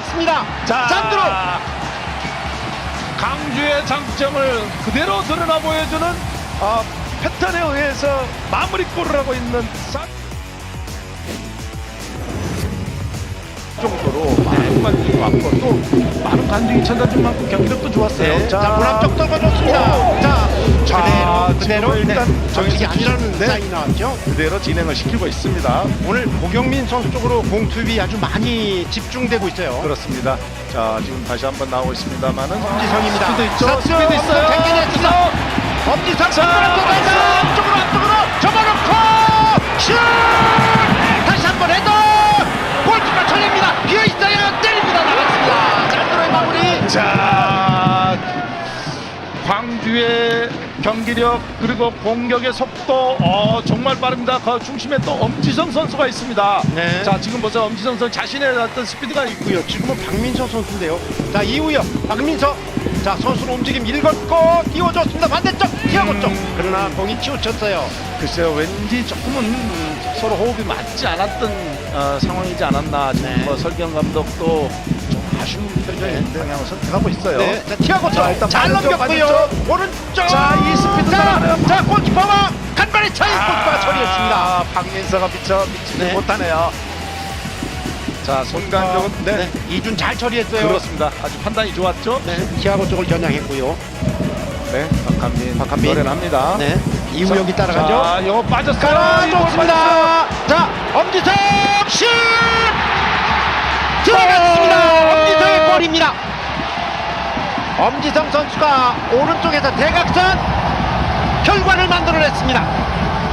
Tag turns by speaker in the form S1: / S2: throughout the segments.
S1: 들어갔습니다.
S2: 자,
S1: 산드로.
S2: 강주의 장점을 그대로 드러나 보여주는 패턴에 의해서 마무리골을 하고 있는 정도로 많은 관중이 왔고 또 많은 관중이 찾아준 만큼 경기력도 좋았어요.
S1: 네. 자, 문앞쪽 떨궈줬습니다. 자, 그대로
S2: 일단
S1: 정식이
S2: 정해서
S1: 아니라는 사인이 나왔죠.
S2: 그대로 진행을 시키고 있습니다.
S1: 오늘 고경민 선수 쪽으로 공 투입이 아주 많이 집중되고 있어요.
S2: 그렇습니다. 자, 지금 다시 한번 나오고 있습니다만은
S1: 엄지성입니다.
S2: 스피드 있죠.
S1: 자,
S2: 스피드 있어요.
S1: 땡겨냈습니다. 엄지성 앞쪽으로 접어놓고 슛! 다시 한번 헤더! 골키퍼 처리입니다. 비어있어요. 때립니다. 나갔습니다. 산드로의 마무리.
S2: 자, 광주의 경기력 그리고 공격의 속도 정말 빠릅니다. 그 중심에 또 엄지성 선수가 있습니다.
S1: 네.
S2: 자, 지금 보세요. 엄지성 선수 자신의 어떤 스피드가 있고요.
S1: 지금은 박민서 선수인데요. 자, 이후요. 박민서. 자, 선수는 움직임 읽었고 띄워줬습니다. 반대쪽 티아고 쪽. 그러나 공이 치우쳤어요.
S2: 글쎄요, 왠지 조금은 서로 호흡이 맞지 않았던 상황이지 않았나. 지금
S1: 네.
S2: 뭐 설경 감독도 좀 아쉬운 표정인데 그냥 선택하고 있어요.
S1: 네. 자, 티아고 쪽.
S2: 자, 일단
S1: 잘
S2: 반대쪽,
S1: 넘겼고요.
S2: 반대쪽.
S1: 오른쪽.
S2: 자, 이 스피드 따라가네요.
S1: 자, 골키퍼가 간발의 차이 골키퍼가 처리했습니다.
S2: 박민서가 미치지
S1: 네.
S2: 못하네요. 자, 손간격은 네.
S1: 이준 잘 처리했어요.
S2: 그렇습니다. 아주 판단이 좋았죠.
S1: 네. 티아고 쪽을 겨냥했고요.
S2: 네, 박한빈 노련합니다.
S1: 네. 이우혁이 따라가죠.
S2: 자, 이거 빠졌어요.
S1: 깔아줬습니다. 자, 엄지성 슛! 들어갔습니다. 엄지성의 골입니다. 엄지성 선수가 오른쪽에서 대각선 결과를 만들어냈습니다.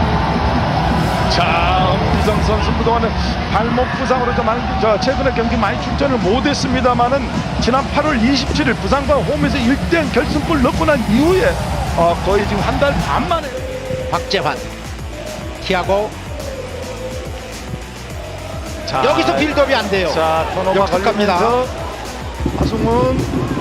S2: 자, 엄지성 선수 그동안은 발목 부상으로 최근에 경기 많이 출전을 못했습니다만은 지난 8월 27일 부산과 홈에서 1대0 결승골 넣고 난 이후에 거의 지금 한 달 반 만에
S1: 박재환, 티아고.
S2: 자,
S1: 여기서 빌드업이 안 돼요.
S2: 자, 턴오버
S1: 역습 갑니다.
S2: 걸리면서 하승훈.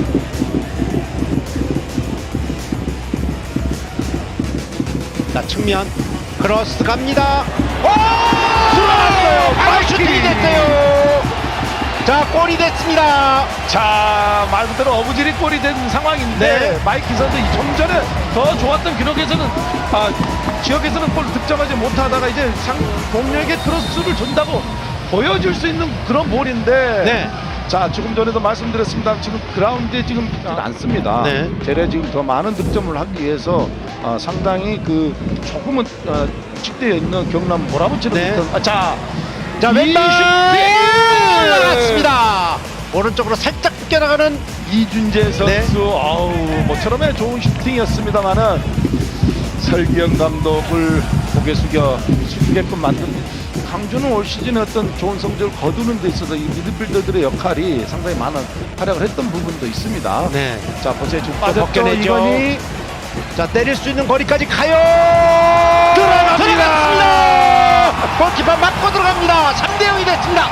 S1: 자, 측면 크로스 갑니다. 오!
S2: 들어갔어요.
S1: 바로 슈팅이 됐어요. 자, 골이 됐습니다.
S2: 자, 말 그대로 어부질이 골이 된 상황인데
S1: 네.
S2: 마이키 선수 좀 전에 더 좋았던 기록에서는 지역에서는 골 득점하지 못하다가 이제 동료에게 크로스를 준다고 보여줄 수 있는 그런 볼인데
S1: 네.
S2: 자, 조금 전에도 말씀드렸습니다. 지금 그라운드에 지금 않습니다.
S1: 네.
S2: 제래 지금 더 많은 득점을 하기 위해서 상당히 그 조금은 직대에 있는 경남 몰아붙이는
S1: 네.
S2: 듯한
S1: 자,
S2: 이
S1: 왼발
S2: 슈팅!
S1: 나갔습니다. 오른쪽으로 살짝 벗겨나가는
S2: 이준재 선수,
S1: 네.
S2: 모처럼의 좋은 슈팅이었습니다만은 설기현 감독을 고개 숙이게끔 만든 강주는 올 시즌에 어떤 좋은 성적을 거두는 데 있어서 이 미드필더들의 역할이 상당히 많은 활약을 했던 부분도 있습니다.
S1: 네.
S2: 자, 보세요. 지금
S1: 빠졌죠,
S2: 벗겨내죠.
S1: 이건희. 자, 때릴 수 있는 거리까지 가요. 들어갔습니다. 골키퍼 맞고 들어갑니다. 3대0이 됐습니다.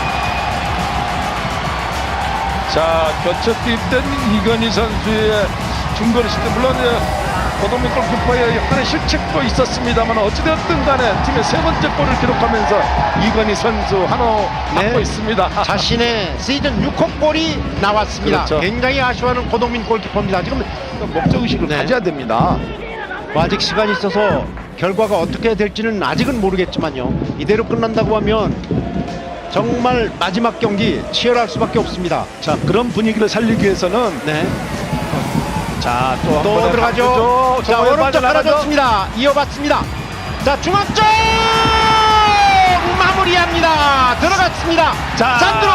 S2: 자, 교체 투입된 이건희 선수의 중거리 슈팅, 물론 고동민 골키퍼의 약간의 실책도 있었습니다만 어찌되었든 간에 팀의 세 번째 골을 기록하면서 이건희 선수 한호 받고 있습니다.
S1: 자신의 시즌 6호 골이 나왔습니다.
S2: 그렇죠.
S1: 굉장히 아쉬워하는 고동민 골키퍼입니다. 지금
S2: 목적의식을
S1: 네.
S2: 가져야 됩니다.
S1: 아직 시간이 있어서 결과가 어떻게 될지는 아직은 모르겠지만요. 이대로 끝난다고 하면 정말 마지막 경기 치열할 수밖에 없습니다.
S2: 자, 그런 분위기를 살리기 위해서는
S1: 네.
S2: 자,
S1: 또 들어가죠. 자, 오른쪽 깔아줬습니다. 이어봤습니다. 자, 중앙쪽 마무리합니다. 들어갔습니다.
S2: 자,
S1: 산드로.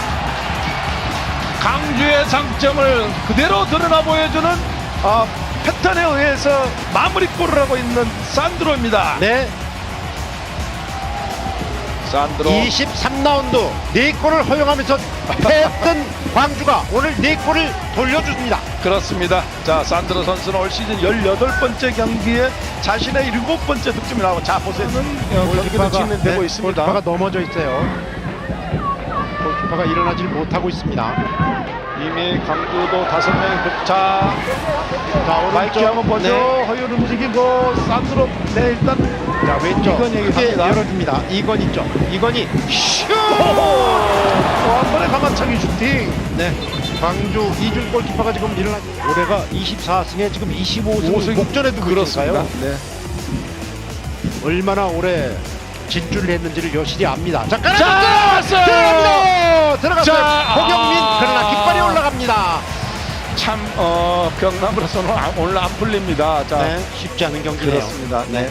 S2: 강주의 장점을 그대로 드러나 보여주는 패턴에 의해서 마무리골을 하고 있는 산드로입니다.
S1: 네.
S2: 산드로
S1: 23라운드 4골을 허용하면서 패했던 광주가 오늘 4골을 돌려줍니다.
S2: 그렇습니다. 자, 산드로 선수는 올 시즌 18번째 경기에 자신의 7번째 득점이 나오고, 자, 보세요. 경기는 진행되고 있습니다.
S1: 골키퍼가 넘어져 있어요. 골키퍼가 일어나질 못하고 있습니다.
S2: 이미 강주도 5명이 자, 마이키
S1: 오른쪽.
S2: 한번 보죠.
S1: 네.
S2: 허율 움직이고 산드로 일단
S1: 자, 왼쪽
S2: 이건희
S1: 크게
S2: 갑니다.
S1: 열어줍니다. 이건희 쪽. 이건희 슛!
S2: 또 한 번의 가마차기 슈팅.
S1: 네. 광주 이준 골키퍼가 지금 일어나 올해가 24승에 지금 25승 목전에도
S2: 그렇습니다.
S1: 그렇습니까요?
S2: 네.
S1: 얼마나 오래 진출을 했는지를 여실히 압니다. 자,
S2: 들어갔어요.
S1: 들어갔어요.
S2: 자,
S1: 고경민 그러나 깃발이 올라갑니다.
S2: 참 경남으로서는 오늘 안 풀립니다. 자,
S1: 네, 쉽지 않은 경기네요.
S2: 그렇습니다. 네.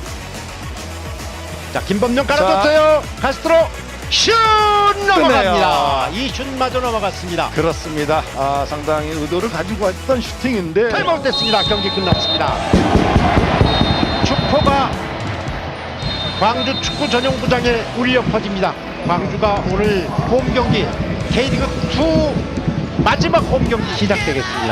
S1: 자, 김범용 깔아줬어요. 카스트로 슛 넘어갑니다. 이 슛마저 넘어갔습니다.
S2: 그렇습니다. 상당히 의도를 가지고 했던 슈팅인데
S1: 타임아웃 됐습니다. 경기 끝났습니다. 축포가 광주 축구 전용구장에 울려 퍼집니다. 광주가 오늘 홈 경기 K리그 2 마지막 홈 경기 시작되겠습니다.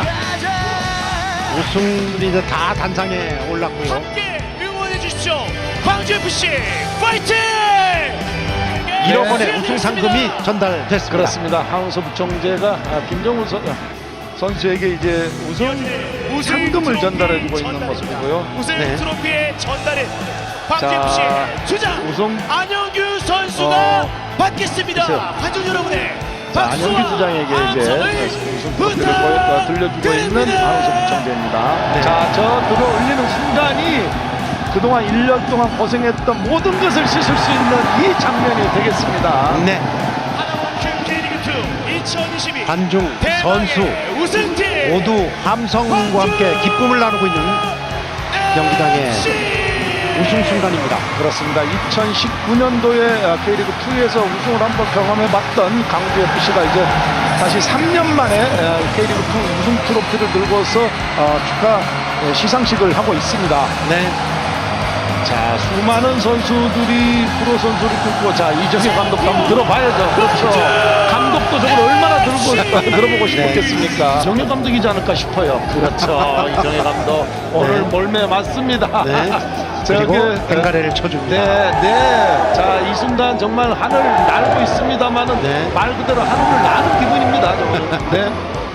S1: 우승들이 다 단상에 올랐고요.
S3: 함께 응원해 주십시오. 광주 FC 파이팅!
S1: 1억 원의
S3: 네.
S1: 우승 상금이 전달됐습니다.
S2: 그렇습니다. 하은소 부총재가 김정우 선수에게 이제 우승 상금을 전달해주고 있는 모습이고요.
S3: 우승
S1: 네.
S3: 트로피의 전달은 광주
S2: 자,
S3: FC 주장
S2: 우승
S3: 안영규 선수가 받겠습니다.
S2: 글쎄요.
S3: 관중 여러분의
S2: 자,
S3: 박수와
S2: 안영규 주장에게 이제
S3: 함성을
S2: 우승 트로피를 들려주고 있는 하은소 부총재입니다.
S1: 네.
S2: 자, 저 들어 올리는 순간이 그동안 1년 동안 고생했던 모든 것을 씻을 수 있는 이 장면이 되겠습니다.
S1: 네,
S3: 하나원큐 K리그2 2022
S1: 관중 선수
S3: 대망의 우승팀
S1: 모두 함성과 함께 기쁨을 나누고 있는 경기장의 우승 순간입니다.
S2: 그렇습니다. 2019년도에 K리그 2에서 우승을 한번 경험해봤던 강주 FC가 이제 다시 3년 만에 K리그 2 우승 트로피를 들고서 축하 시상식을 하고 있습니다.
S1: 네,
S2: 자, 수많은 선수들이 프로 선수를 꿈꾸고, 자, 이정효 감독도 한번 들어봐야죠. 그렇죠. 감독도 저걸 얼마나 들어보고 싶었겠습니까? 이정효 감독이지 않을까 싶어요. 그렇죠. 이정효 감독 오늘
S1: 네.
S2: 몰매 맞습니다.
S1: 네.
S2: 저기,
S1: 그리고 뱅가레를 쳐줍니다.
S2: 네, 네. 자, 이 순간 정말 하늘 날고 있습니다만은
S1: 네.
S2: 말 그대로 하늘을 나는 기분입니다. 저는. 네.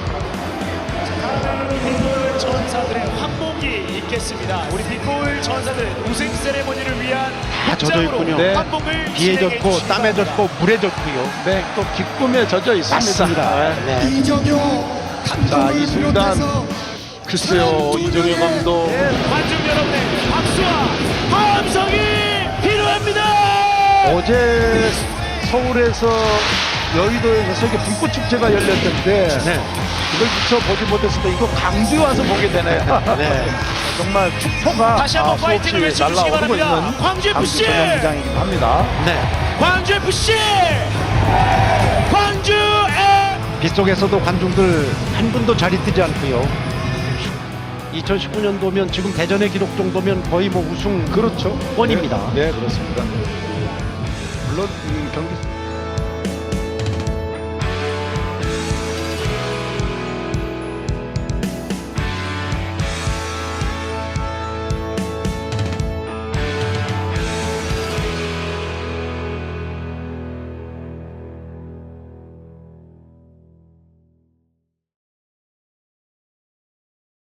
S3: 전사들의 환복이 있겠습니다. 우리 빅골 전사들은 우승 세레모니를 위한
S1: 다 젖어 있군요.
S2: 네.
S3: 환복을
S1: 비에
S3: 진행해
S1: 젖고
S3: 주십니다.
S1: 땀에 젖고 물에 젖고요.
S2: 네, 또 기쁨에 젖어 있습니다.
S1: 맞습니다.
S2: 네.
S1: 네.
S2: 자, 이 순간 글쎄요, 이정효 감독.
S3: 관중 여러분의 박수와 함성이 필요합니다.
S2: 어제 서울에서 여의도에서 세계 불꽃 축제가 열렸는데
S1: 네.
S2: 이걸 미처 보지 못했을 때 이거 강주에 와서 보게 되네요.
S1: 네.
S2: 정말 축포가
S3: 다시 한번
S2: 수없이
S3: 파이팅을 외쳐주시기
S2: 날라오르고
S3: 바랍니다.
S2: 있는
S3: 광주 FC!
S2: 전용구장이긴 합니다.
S1: 네.
S3: 광주 FC 광주의
S1: 빗속에서도 관중들 한 분도 자리 뜨지 않고요. 2019년도면 지금 대전의 기록 정도면 거의 뭐 우승
S2: 그렇죠.
S1: 원입니다.
S2: 네, 그렇습니다. 물론 경기